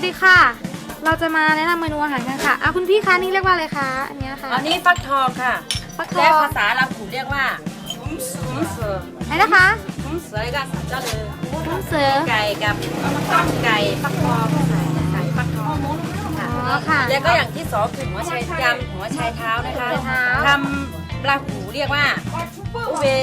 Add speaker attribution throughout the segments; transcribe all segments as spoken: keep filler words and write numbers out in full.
Speaker 1: ดีค่ะเราจะมาแนะนำเมนูอาหารกันค่ะอ่ะคุณพี่คะนี่เรียกว่าอะไรคะอันนี้ค่ะ
Speaker 2: อันนี้ฟักทองค่ะ
Speaker 1: ฟักท
Speaker 2: และ
Speaker 1: อง
Speaker 2: ภาษาเราขู่เรียกว่าหุ้มหุ้มเสือ
Speaker 1: ไหนนะคะ
Speaker 2: หุ้มเสือก็เจ้าเลย
Speaker 1: น้ำเสือ
Speaker 2: ไก่กับต้มไก่ฟักทองใส่ไก่ฟักทองค่ะ
Speaker 1: อ๋อค่ะ
Speaker 2: แล้วก็อย่างที่สองคือหัวไชยำหัวไชายเท้านะคะ
Speaker 1: หัวไชายเท้า
Speaker 2: ทำปลาหูเรียกว่าอุเบ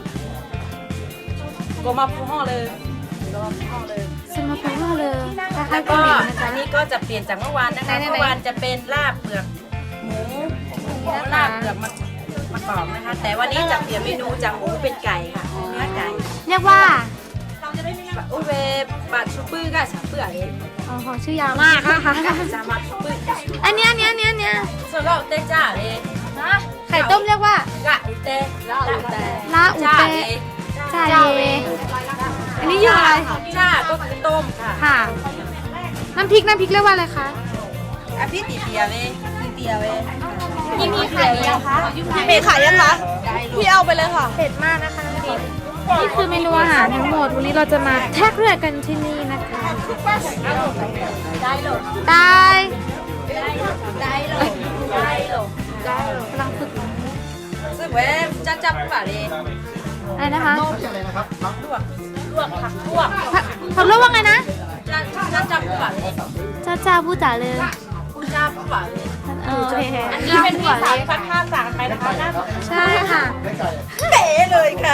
Speaker 2: โกมาพูห่อเลยโกมาพูห่อเลย
Speaker 1: สมาพูดเลยคล้า
Speaker 2: แล้
Speaker 1: ยว ๆ
Speaker 2: ก็
Speaker 1: กันนะ
Speaker 2: อั
Speaker 1: จ๊ะ
Speaker 2: นนี้ก็จะเปลี่ยนจากเมื่อวานนะคะ
Speaker 1: ไหนๆๆ
Speaker 2: เมื่อวานจะเป็นลาบเปลือกหมูหมูลาบเปลือกมะมะกอกนะคะ แต่วันนี้จะเปลี่ยนเมนูจากหมูเป็นไก่ค่ะเนื้อไก่
Speaker 1: เรียกว่า
Speaker 2: อุเบปาชูปื้อก็ฉับเปื่อย
Speaker 1: อ๋อชื่อยาวมากนะคะ
Speaker 2: จามาชูปื้อ
Speaker 1: อันเนี้ยอันเนี้ยอันเนี้ยอันเนี้ย
Speaker 2: ส่วนเราเต้จ้าเลยนะ
Speaker 1: ไข่ต้มเรียกว่าก
Speaker 2: ะอุเต้ลาอุเต้
Speaker 1: ลาอุ
Speaker 2: จ้า
Speaker 1: เต
Speaker 2: เลย
Speaker 1: จ่าเยอันนี้อยู่อะไร
Speaker 2: จ้าก็คือต้มค่ะ
Speaker 1: ค่ะ น้ำพริกน้ำพริกเรียกว่าอะไรคะ
Speaker 2: อ่ะพี่ตีเปียเว้ยตีเปียเว้ย
Speaker 1: นี่มีไข่ยังคะ
Speaker 3: มีขายยังคะพี่เอาไปเลยค่ะ
Speaker 1: เผ็ดมากนะคะน้ำพริกนี่คือเมนูอาหารทั้งหมดวันนี้เราจะมาแท็กเรือกันที่นี่นะคะ
Speaker 2: ได้หรอ
Speaker 1: ได้
Speaker 2: ได้หรอได้หรอก
Speaker 1: ำลังฝึก
Speaker 2: ซึ่งเว้ยจ้าจ้าผู้บ่าเลย
Speaker 1: อะไรนะคะ
Speaker 2: ลวกลวกผักลวก
Speaker 1: ผักผักลวกว่าไงนะ
Speaker 2: จ้าจ้าจ้าผู้บ่าเลย
Speaker 1: จ้าจ้าพูดจ๋าเลย
Speaker 2: ผู้จ้าผู้บ่าเลย
Speaker 1: เออโอเค
Speaker 2: อันนี้เป็นพี่สาวพักห้าสามไปนะคะน่าสน
Speaker 1: ใช่ค่ะ
Speaker 2: เป๋เลยค่ะ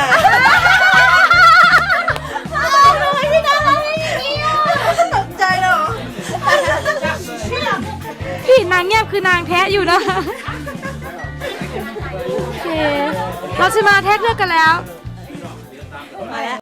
Speaker 1: ทำไมพี่น่ารักอย่างนี้อ่ะ
Speaker 2: ตกใจเหรอ
Speaker 1: พี่นางเงียบคือนางแท้อยู่นะโอเคเราจะมาแท็กเรือกันแล้ว